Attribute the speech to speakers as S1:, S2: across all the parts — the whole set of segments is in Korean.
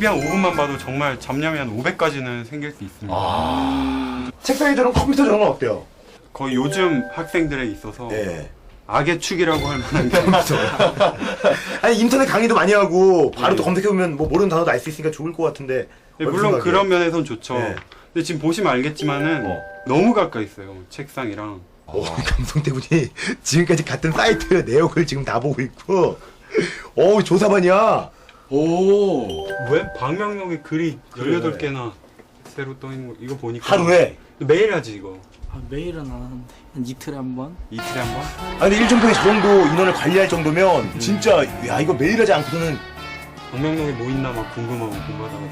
S1: TV 한 5분만 봐도 정말 잡념이 한 500가지는 생길 수 있습니다.
S2: 책상에 저런 컴퓨터 저런 건 어때요?
S1: 거의 요즘 학생들에 있어서
S2: 예.
S1: 악의 축이라고 할 만한 게
S2: 아니 인터넷 강의도 많이 하고 바로 또 검색해보면 뭐 모르는 단어도 알 수 있으니까 좋을 것 같은데.
S1: 네, 물론 그런 면에선 좋죠.
S2: 네.
S1: 근데 지금 보시면 알겠지만은 너무 가까이 있어요. 책상이랑.
S2: 감성 때문에 지금까지 갔던 사이트 내역을 지금 다 보고 있고. 조사반이야.
S3: 오.
S1: 왜? 방명록에 글이 18개나 새로 떠 있는 거 이거 보니까
S2: 하루에.
S1: 매일 하지 이거.
S4: 매일은 안 하는데 한 이틀에 한 번?
S1: 이틀에 한 번?
S2: 아니 근데 1전평에 저 정도 인원을 관리할 정도면 진짜 야 이거 매일 하지 않고서는.
S1: 방명록에 뭐 있나 막 궁금하고 공부하다가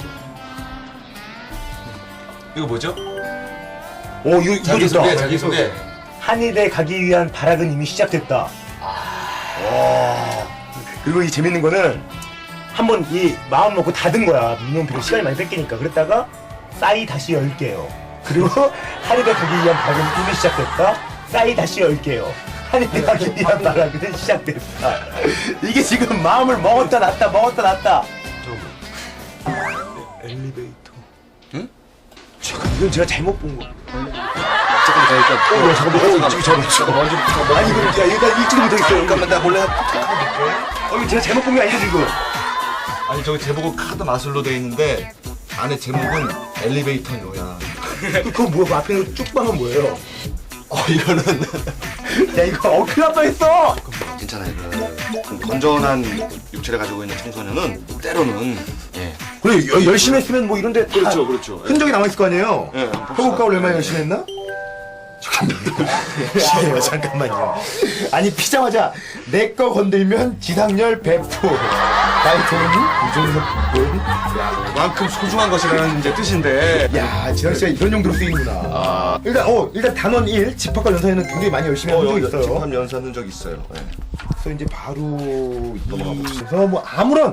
S3: 이거 뭐죠?
S2: 이거
S3: 자기소개,
S2: 좋다.
S3: 자기소개.
S2: 한의대 가기 위한 발악은 이미 시작됐다. 그리고 이 재밌는 거는 한번 이 마음 먹고 닫은 거야. 민원표를 시간이 많이 뺏기니까. 그랬다가 싸이 다시 10개요. 그리고 한의대 가기 위한 발악은 이미 시작됐다. 싸이 다시 10개요. 한의대 가기 위한 발악은 시작됐다. 이게 지금 마음을 먹었다 놨다 먹었다 놨다. 엘리베이터.
S3: 응?
S2: 잠깐 이건 제가 잘못 본 거.
S3: 잠깐만,
S2: 잠깐만. 아니 이거 야 일단 읽지도 못하겠어요.
S3: 잠깐만, 나 몰래.
S2: 이거 제가 잘못 본 게 아니죠 지금.
S3: 아니, 저기 제목은 카드 마술로 돼 있는데 안에 제목은 엘리베이터요야.
S2: 그거 뭐야? 앞에 있는 쭉방은 뭐예요?
S3: 이거는
S2: 야 이거 큰일 날 뻔했어.
S3: 괜찮아요. 그 건전한 육체를 가지고 있는 청소년은 때로는
S2: 그래 열심히 했으면 뭐 이런데 다
S3: 그렇죠.
S2: 흔적이 남아 있을 거 아니에요.
S3: 예,
S2: 효과를 얼마나 열심히 했나? 잠깐만요. 아니 피자마자 내 거 건들면 지상렬 배포. 나의 돈이 우정석 돈.
S3: 만큼 소중한 것이라는 이제 뜻인데.
S2: 야 지상 씨가 이런 용도로 쓰이는구나. 일단 단원 1 집합과 연사에는 굉장히 많이 열심히 한 적이 있어요.
S3: 집합 연사는 적 있어요. 네.
S2: 그래서 이제 바로 넘어가 보겠습니다. 뭐 아무런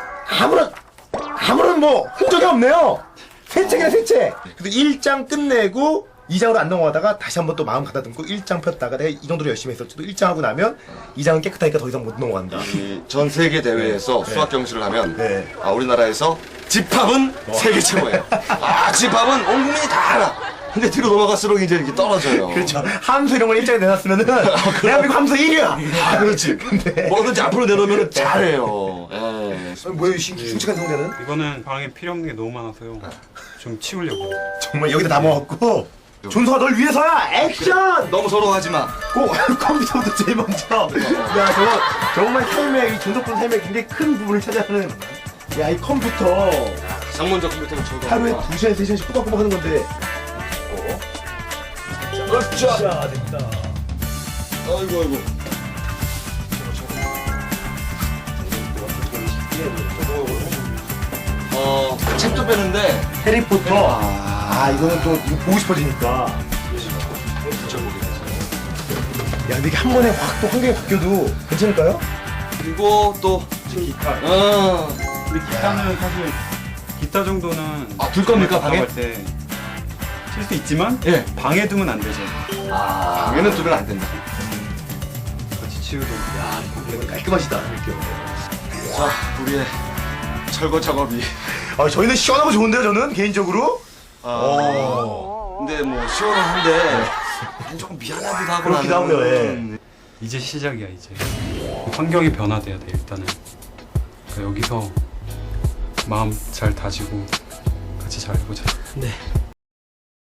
S2: 뭐 흔적이 없네요. 새 책이라 새 책. 그래서 1장 끝내고 2장으로 안 넘어가다가 다시 한번 또 마음 가다듬고 1장 폈다가 내가 이 정도로 열심히 했었지도 1장 하고 나면 2장은 깨끗하니까 더 이상 못 넘어간다.
S3: 전 세계 대회에서 수학 경시를 하면
S2: 네.
S3: 우리나라에서 집합은 세계 최고예요. 집합은 온 국민이 다 알아. 근데 뒤로 넘어갈수록 이제 이렇게 떨어져요.
S2: 그렇죠. 함수 이런 걸 1장에 내놨으면은 대한민국 함수 1위야.
S3: 그렇지.
S2: 근데
S3: 뭐든지 앞으로 내놓으면 잘해요.
S2: 뭐예요 흉측한 성자는?
S1: 이거는 방에 필요 없는 게 너무 많아서요. 좀 치우려고.
S2: 정말 여기다 다 먹었고 존소가 널 위해서야 액션!
S3: 너무 서러워하지 마.
S2: 컴퓨터부터 제일 먼저. 야, 정말 삶의, 이 존속분 삶의 굉장히 큰 부분을 차지하는. 야, 이 컴퓨터.
S3: 상문적 컴퓨터를 쳐도
S2: 하루에 2시간, 3시간씩 꼬박꼬박 하는 건데.
S3: 그렇죠.
S2: 자, 됐다.
S3: 아이고. 책도 빼는데.
S2: 해리포터. 이거는 또 이거 보고 싶어지니까. 야, 근데 이게 한 번에 확 또 환경이 바뀌어도 괜찮을까요?
S3: 그리고 또
S1: 기타.
S3: 어.
S1: 근데 기타는 사실 기타 정도는
S3: 둘 겁니까, 방에?
S1: 때 칠 수 있지만
S3: 예.
S1: 방에 두면 안 되죠.
S3: 방에는 두면 안 된다.
S1: 같이 치우도.
S2: 깔끔하시다, 느낌.
S3: 자, 우리의 철거 작업이.
S2: 저희는 시원하고 좋은데요, 저는 개인적으로.
S3: 근데 뭐 시원한데 조금 미안하기도 하고
S2: 그렇기도 하고요, 예.
S1: 이제 시작이야 이제. 환경이 변화돼야 돼 일단은. 그러니까 여기서 마음 잘 다지고 같이 잘 해보자.
S4: 네.